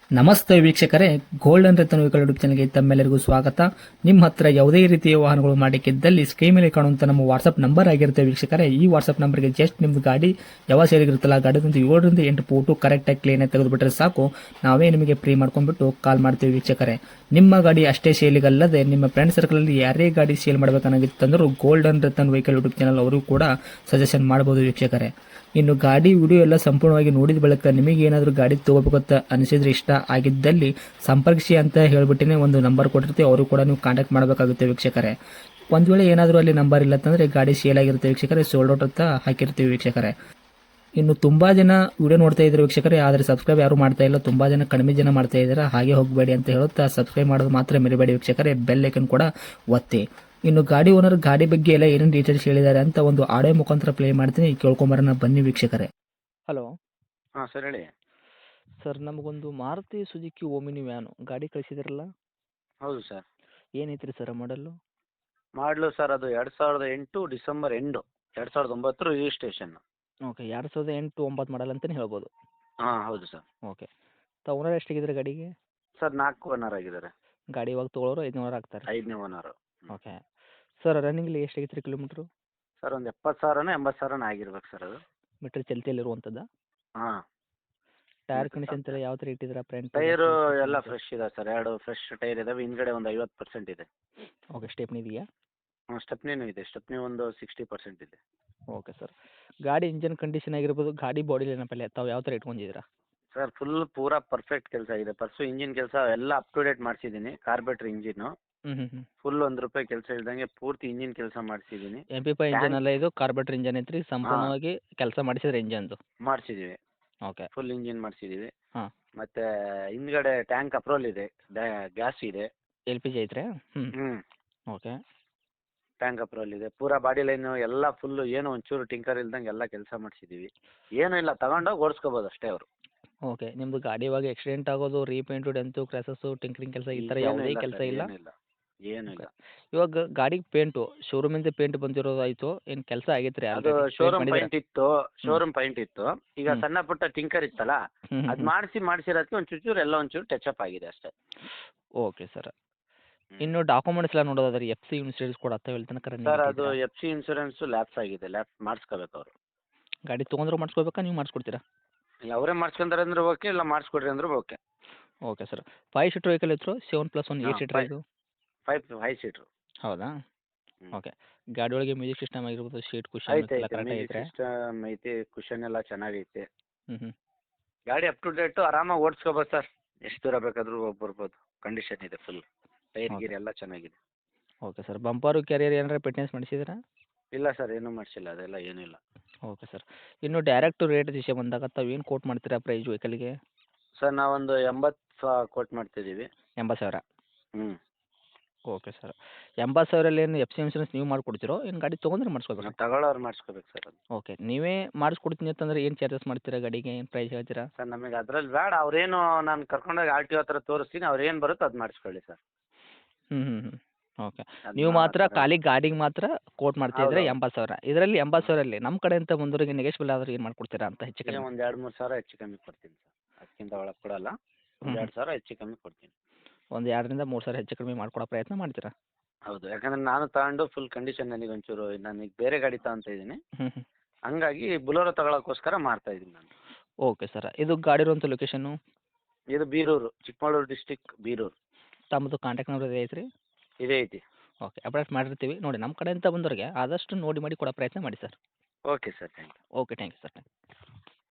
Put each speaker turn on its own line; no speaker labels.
ನಮಸ್ತೆ ವೀಕ್ಷಕರೇ, golden Ratan vehicle YouTube ಚಾನಲ್ಗೆ ತಮ್ಮೆಲ್ಲರಿಗೂ ಸ್ವಾಗತ. ನಿಮ್ಮ ಹತ್ರ ಯಾವುದೇ ರೀತಿಯ ವಾಹನಗಳು ಮಾಡಿಕ್ಕಿದ್ದಲ್ಲಿ ಸ್ಕ್ರೀನ್ ಮೇಲೆ ಕಾಣುವಂತ ನಮ್ಮ ವಾಟ್ಸ್ಆಪ್ ನಂಬರ್ ಆಗಿರುತ್ತೆ ವೀಕ್ಷಕರೇ. ಈ ವಾಟ್ಸ್ಆಪ್ ನಂಬರ್ಗೆ ಜಸ್ಟ್ ನಿಮ್ದು ಗಾಡಿ ಯಾವ ಸೇರಿಗಿರುತ್ತಲ್ಲ ಗಾಡಿದಂತ 7ರಿಂದ 8 ಫೋಟೋ ಕರೆಕ್ಟಾಗಿ ಕ್ಲೀನ್ ಆಗಿ ತೆಗೆದುಬಿಟ್ರೆ ಸಾಕು, ನಾವೇ ನಿಮಗೆ ಫ್ರೀ ಮಾಡ್ಕೊಂಡ್ಬಿಟ್ಟು ಕಾಲ್ ಮಾಡ್ತೀವಿ ವೀಕ್ಷಕರೇ. ನಿಮ್ಮ ಗಾಡಿ ಅಷ್ಟೇ ಸೇಲಿಗಲ್ಲದೆ ನಿಮ್ಮ ಫ್ರೆಂಡ್ ಸರ್ಕಲ್ ಅಲ್ಲಿ ಯಾರೇ ಗಾಡಿ ಸೇಲ್ ಮಾಡಬೇಕನ್ನಾಗಿತ್ತಂದ್ರೂ golden Ratan vehicle YouTube channel ಅವರು ಕೂಡ ಸಜೆಷನ್ ಮಾಡಬಹುದು ವೀಕ್ಷಕರೇ. ಇನ್ನು ಗಾಡಿ ವಿಡಿಯೋ ಎಲ್ಲ ಸಂಪೂರ್ಣವಾಗಿ ನೋಡಿದ ಬಳಿಕ ನಿಮಗೆ ಏನಾದರೂ ಗಾಡಿ ತಗೋಬೇಕಂತ ಅನಿಸಿದ್ರೆ, ಇಷ್ಟ ಆಗಿದ್ದಲ್ಲಿ ಸಂಪರ್ಕಿಸಿ ಅಂತ ಹೇಳ್ಬಿಟ್ಟಿನೇ ಒಂದು ನಂಬರ್ ಕೊಟ್ಟಿರ್ತೀವಿ, ಅವರು ಕೂಡ ನೀವು ಕಾಂಟ್ಯಾಕ್ಟ್ ಮಾಡಬೇಕಾಗುತ್ತೆ ವೀಕ್ಷಕರೇ. ಒಂದು ವೇಳೆ ಏನಾದರೂ ಅಲ್ಲಿ ನಂಬರ್ ಇಲ್ಲ ಅಂತಂದರೆ ಗಾಡಿ ಸೇಲ್ ಆಗಿರುತ್ತೆ ವೀಕ್ಷಕರೇ, ಸೋಲ್ಡ್ ಔಟ್ ಅಂತ ಹಾಕಿರ್ತೀವಿ ವೀಕ್ಷಕರೇ. ಇನ್ನು ತುಂಬ ಜನ ವಿಡಿಯೋ ನೋಡ್ತಾ ಇದ್ದಾರೆ ವೀಕ್ಷಕರೇ, ಆದರೆ ಸಬ್ಸ್ಕ್ರೈಬ್ ಯಾರು ಮಾಡ್ತಾ ಇಲ್ಲ, ತುಂಬ ಜನ ಕಡಿಮೆ ಜನ ಮಾಡ್ತಾ ಇದ್ದಾರೆ. ಹಾಗೆ ಹೋಗಬೇಡಿ ಅಂತ ಹೇಳುತ್ತಾ ಸಬ್ಸ್ಕ್ರೈಬ್ ಮಾಡೋದು ಮಾತ್ರ ಮರಿಬೇಡಿ ವೀಕ್ಷಕರೇ, ಬೆಲ್ ಐಕನ್ ಕೂಡ ಒತ್ತಿ. ಇನ್ನು ಗಾಡಿ ಓನರ್ ಗಾಡಿ ಬಗ್ಗೆ ಎಲ್ಲ ಏನೇನು ಡೀಟೇಲ್ಸ್ ಹೇಳಿದ್ದಾರೆ ಅಂತ ಒಂದು ಆಡಿಯೋ ಮುಖಾಂತರ ಪ್ಲೇ ಮಾಡ್ತೀನಿ, ಕೇಳ್ಕೊಂಬರೋಣ ಬನ್ನಿ ವೀಕ್ಷಕರೇ. ಹಲೋ
ಹಾಂ ಸರ್ ಹೇಳಿ.
ಸರ್, ನಮಗೊಂದು ಮಾರುತಿ ಸುಜುಕಿ ಓಮಿನಿ ವ್ಯಾನು ಗಾಡಿ ಕಳಿಸಿದಿರಲ್ಲ,
ಹೌದು ಸರ್.
ಏನೈತ್ರಿ sir model?
ಮಾಡಲು ಸರ್ ಅದು 2008 December end, 2009 registration.
Okay, 2008 9 model ಅಂತಲೇ ಹೇಳ್ಬೋದು.
ಹಾಂ ಹೌದು ಸರ್.
ಓಕೆ, ಓನರ್ ಎಷ್ಟಾಗಿದ್ದಾರೆ ಗಾಡಿಗೆ?
ಸರ್ 4 ಓನರ್ ಆಗಿದ್ದಾರೆ.
ಗಾಡಿ ಇವಾಗ ತೊಗೊಳೋರು 500 ಆಗ್ತಾರೆ.
5ನೇ ಓನರು.
ಓಕೆ ಸರ್, ರನ್ನಿಂಗ್ಲಿ ಎಷ್ಟಾಗಿತ್ತು ರೀ ಕಿಲೋಮೀಟ್ರು?
ಸರ್ ಒಂದು 70,000 80,000 ಆಗಿರ್ಬೇಕು ಸರ್ ಅದು.
ಮೀಟ್ರ್ ಚಲ್ತಿಯಲ್ಲಿರುವಂಥದ್ದು.
ಹಾಂ.
ಟೈರ್ ಕಂಡೀಷನ್ ಎಲ್ಲ ಯಾವ ಥರ ಇಟ್ಟಿದ್ದೀರಾ? ಫ್ರಂಟ್
ಟೈರು ಎಲ್ಲ ಫ್ರೆಶ್ ಇದೆ ಸರ್, 2 ಫ್ರೆಶ್ ಟೈರ್ ಇದಾವೆ, ಹಿಂದ್ಗಡೆ ಒಂದು 50% ಇದೆ.
ಓಕೆ, ಸ್ಟೆಪ್ನಿ ಇದೆಯಾ?
ಹಾಂ ಸ್ಟೆಪ್ನಿನೂ ಇದೆ, ಸ್ಟೆಪ್ನಿ ಒಂದು 60% ಇದೆ.
ಓಕೆ ಸರ್, ಗಾಡಿ ಇಂಜನ್ ಕಂಡೀಷನ್ ಆಗಿರ್ಬೋದು, ಗಾಡಿ ಬಾಡಿ ಏನಪ್ಪಲ್ಲ ತಾವು ಯಾವ ಥರ ಇಟ್ಕೊಂಡಿದ್ದೀರಾ?
ಸರ್ ಪೂರಾ ಪರ್ಫೆಕ್ಟ್ ಕೆಲಸ ಇದೆ. ಇಂಜಿನ್ ಕೆಲಸ ಎಲ್ಲ ಅಪ್ ಟು ಡೇಟ್ ಮಾಡಿಸಿದ್ದೀನಿ. ಕಾರ್ಬೇಟ್ರ್ ಇಂಜಿನ್ನು ಫುಲ್ ₹1 ಕೆಲಸ ಇಲ್ದಂಗೆ ಪೂರ್ತಿ ಇಂಜಿನ್ ಕೆಲಸ ಮಾಡಿಸಿದ್ದೀನಿ.
MP5 ಇಂಜನ್ ಅಲ್ಲ ಇದು, ಕಾರ್ಬೇಟ್ರ್ ಇಂಜನ್ ಐತ್ರಿ, ಸಂಪೂರ್ಣವಾಗಿ ಕೆಲಸ ಮಾಡಿಸಿದ್ರೆ ಇಂಜನ್ದು
ಮಾಡಿಸಿದ್ದೀವಿ.
ಓಕೆ,
ಫುಲ್ ಇಂಜಿನ್ ಮಾಡಿಸಿದ್ದೀವಿ.
ಹಾಂ.
ಮತ್ತೆ ಹಿಂದ್ಗಡೆ ಟ್ಯಾಂಕ್ ಅಪ್ರೋಲ್ ಇದೆ, ಗ್ಯಾಸ್ ಇದೆ.
LPG ಐತ್ರಿ? ಓಕೆ,
ಟ್ಯಾಂಕ್ ಅಪ್ರೋಲ್ ಇದೆ. ಪೂರಾ ಬಾಡಿ ಲೈನು ಎಲ್ಲ ಫುಲ್ಲು, ಏನು ಒಂಚೂರು ಟಿಂಕರ್ ಇಲ್ದಂಗೆ ಎಲ್ಲ ಕೆಲಸ ಮಾಡಿಸಿದ್ದೀವಿ. ಏನೂ ಇಲ್ಲ, ತಗೊಂಡೋಗಿ ಓಡಿಸ್ಕೋಬೋದು ಅಷ್ಟೇ ಅವರು.
ಓಕೆ, ನಿಮ್ಮದು ಗಾಡಿ ಇವಾಗ ಆಕ್ಸಿಡೆಂಟ್ ಆಗೋದು, ರೀಪೇಂಟು, ಡೆಂತು, ಕ್ರ್ಯಾಸಸ್ಸು, ಟಿಂಕರಿಂಗ್ ಕೆಲಸ ಈ ಥರ ಯಾವುದೇ ಕೆಲಸ ಇಲ್ಲ?
ಏನೂ ಇಲ್ಲ.
ಇವಾಗ ಗಾಡಿಗೆ ಪೇಂಟು ಶೋರೂಮಿಂದ ಪೇಂಟ್ ಬಂದಿರೋದು ಆಯಿತು, ಏನು ಕೆಲಸ ಆಗೈತೆ ರೀ?
ಅದು ಶೋರೂಮ್ ಪೈಂಟ್ ಇತ್ತು. ಈಗ ಸಣ್ಣ ಪುಟ್ಟ ಟಿಂಕರ್ ಇತ್ತಲ್ಲ, ಅದು ಮಾಡಿಸಿರೋದಕ್ಕೆ ಒಂಚೂರು ಎಲ್ಲ ಒಂಚೂರು ಟಚ್ ಅಪ್ ಆಗಿದೆ ಅಷ್ಟೇ.
ಓಕೆ ಸರ್, ಇನ್ನು ಡಾಕ್ಯುಮೆಂಟ್ಸ್ ಎಲ್ಲ ನೋಡೋದಾದ್ರೆ FC ಇನ್ಸೂರೆನ್ಸ್ ಕೂಡ ಹೇಳ್ತಾನೆ
ಸರ್, ಅದು FC ಇನ್ಸೂರೆನ್ಸು ಲ್ಯಾಪ್ಸ್ ಆಗಿದೆ, ಮಾಡಿಸ್ಕೋಬೇಕು ಅವರು.
ಗಾಡಿ ತೊಗೊಂಡ್ರು ಮಾಡಿಸ್ಕೋಬೇಕಾ, ನೀವು ಮಾಡಿಸ್ಕೊಡ್ತೀರಾ?
ಅವರೇ ಮಾಡಿಸ್ಕೊಂತಾರೆ ಅಂದ್ರೆ ಓಕೆ, ಇಲ್ಲ ಮಾಡಿಸ್ಕೊಡ್ರಿ ಅಂದ್ರೆ okay.
Okay sir, 5 seater vehicle ಇತ್ತು, 7+1 8 ಸೀಟರ್ ಇದು?
5 ಸೀಟ್ರು.
ಹೌದಾ? ಓಕೆ, ಗಾಡಿ ಒಳಗೆ ಮ್ಯೂಸಿಕ್ ಸಿಸ್ಟಮ್ ಆಗಿರ್ಬೋದು, ಸೀಟ್ ಕುಷನ್
ಐತೆ
ಎಲ್ಲ ಕರೆಕ್ಟ್ ಐತ್ರಿ?
ಸಿಸ್ಟಮ್ ಐತೆ, ಕುಷನ್ ಎಲ್ಲ ಚೆನ್ನಾಗೈತೆ.
ಹ್ಞೂ
ಗಾಡಿ ಅಪ್ ಟು ಡೇಟು, ಆರಾಮಾಗಿ ಓಡಿಸ್ಕೋಬೋದು ಸರ್. ಎಷ್ಟು ದೂರ ಬೇಕಾದರೂ ಬರ್ಬೋದು. ಕಂಡೀಷನ್ ಇದೆ ಫುಲ್, ಟೈರ್ ಗೀರ್ ಎಲ್ಲ ಚೆನ್ನಾಗಿದೆ.
ಓಕೆ ಸರ್, ಬಂಪರು ಕ್ಯಾರಿಯರ್ ಏನಾರ ಫಿಟ್ನೆಸ್ ಮಾಡಿಸಿದ್ರಾ?
ಇಲ್ಲ ಸರ್, ಏನೂ ಮಾಡಿಸಿಲ್ಲ, ಅದೆಲ್ಲ ಏನೂ ಇಲ್ಲ.
ಓಕೆ ಸರ್, ಇನ್ನು ಡೈರೆಕ್ಟ್ ರೇಟ್ ವಿಷಯ ಬಂದಾಗ ತಾವು ಏನು ಕೋಟ್ ಮಾಡ್ತೀರಾ ಪ್ರೈಸ್ ವೆಹಿಕಲ್ಗೆ?
ಸರ್ ನಾವೊಂದು 80 ಕೋಟ್ ಮಾಡ್ತಿದ್ದೀವಿ.
80,000?
ಹ್ಞೂ.
ಓಕೆ ಸರ್, 80,000 ಏನು FC ಇನ್ಸೂರೆನ್ಸ್ ನೀವು ಮಾಡಿಕೊಡ್ತೀರೋ, ಏನು ಗಾಡಿ ತೊಗೊಂಡ್ರೆ ಮಾಡಿಸ್ಕೋಬೇಕಾ?
ತಗೊಳ್ಳೋರು ಮಾಡಿಸ್ಕೋಬೇಕು ಸರ್ ಅದು.
ಓಕೆ, ನೀವೇ ಮಾಡಿಸ್ಕೊಡ್ತೀನಿ ಅಂತಂದ್ರೆ ಏನು ಚಾರ್ಜಸ್ ಮಾಡ್ತೀರಾ ಗಾಡಿಗೆ, ಏನು ಪ್ರೈಸ್ ಹೇಳ್ತೀರಾ?
ಸರ್ ನಮಗೆ ಅದ್ರಲ್ಲಿ ಬೇಡ, ಅವ್ರೇನು ನಾನು ಕರ್ಕೊಂಡೋಗಿ RTO ಹತ್ರ ತೋರಿಸ್ತೀನಿ, ಅವ್ರು ಏನು ಬರುತ್ತೋ ಅದು ಮಾಡಿಸ್ಕೊಳ್ಳಿ ಸರ್.
ಓಕೆ, ನೀವು ಮಾತ್ರ ಖಾಲಿ ಗಾಡಿಗೆ ಮಾತ್ರ ಕೋಟ್ ಮಾಡ್ತಾ ಇದ್ರೆ 80,000. ಇದರಲ್ಲಿ 80,000 ನಮ್ಮ ಕಡೆಯಿಂದ ಬಂದವರಿಗೆ ನೆಗೆಶ್ಬಲ್ ಆದ್ರೆ ಏನು ಮಾಡ್ಕೊಡ್ತೀರಾ ಅಂತ ಹೆಚ್ಚು ಕಮ್ಮಿ?
ಒಂದು 2-3 ಸಾವಿರ ಹೆಚ್ಚು ಕಮ್ಮಿ ಕೊಡ್ತೀನಿ ಸರ್, ಅದಕ್ಕಿಂತ ಒಳಗೆ ಕೊಡಲ್ಲ. ಒಂದು 2 ಸಾವಿರ ಹೆಚ್ಚು ಕಮ್ಮಿ ಕೊಡ್ತೀನಿ.
ಒಂದು 2ರಿಂದ 3 ಸಾವಿರ ಹೆಚ್ಚು ಕಮ್ಮಿ ಮಾಡ್ಕೊಡೋ ಪ್ರಯತ್ನ ಮಾಡ್ತೀರಾ?
ಹೌದು, ಯಾಕಂದ್ರೆ ನಾನು ತಗೊಂಡು ಫುಲ್ ಕಂಡೀಷನ್, ನನಗೆ ಒಂಚೂರು ನನಗೆ ಬೇರೆ ಗಾಡಿ ತಗೊಂತ ಇದ್ದೀನಿ, ಹಂಗಾಗಿ ಬುಲೋರೋ ತಗೊಳ್ಳೋಕ್ಕೋಸ್ಕರ ಮಾಡ್ತಾ ಇದ್ದೀನಿ ನಾನು.
ಓಕೆ ಸರ್, ಇದು ಗಾಡಿ ಇರುವಂಥ ಲೊಕೇಶನ್ನು?
ಇದು ಬೀರೂರು, ಚಿಕ್ಕಮಗಳೂರು ಡಿಸ್ಟಿಕ್, ಬೀರೂರು.
ತಮ್ಮದು ಕಾಂಟ್ಯಾಕ್ಟ್ ನಂಬರ್ ಐತ್ರಿ?
ಇದೇ ಐತಿ.
ಓಕೆ, ಅಪ್ಡೇಟ್ ಮಾಡಿರ್ತೀವಿ ನೋಡಿ. ನಮ್ಮ ಕಡೆಯಿಂದ ಬಂದವರಿಗೆ ಆದಷ್ಟು ನೋಡಿ ಮಾಡಿ ಕೊಡೋ ಪ್ರಯತ್ನ ಮಾಡಿ sir.
Okay sir, thank you.
Okay, thank you sir.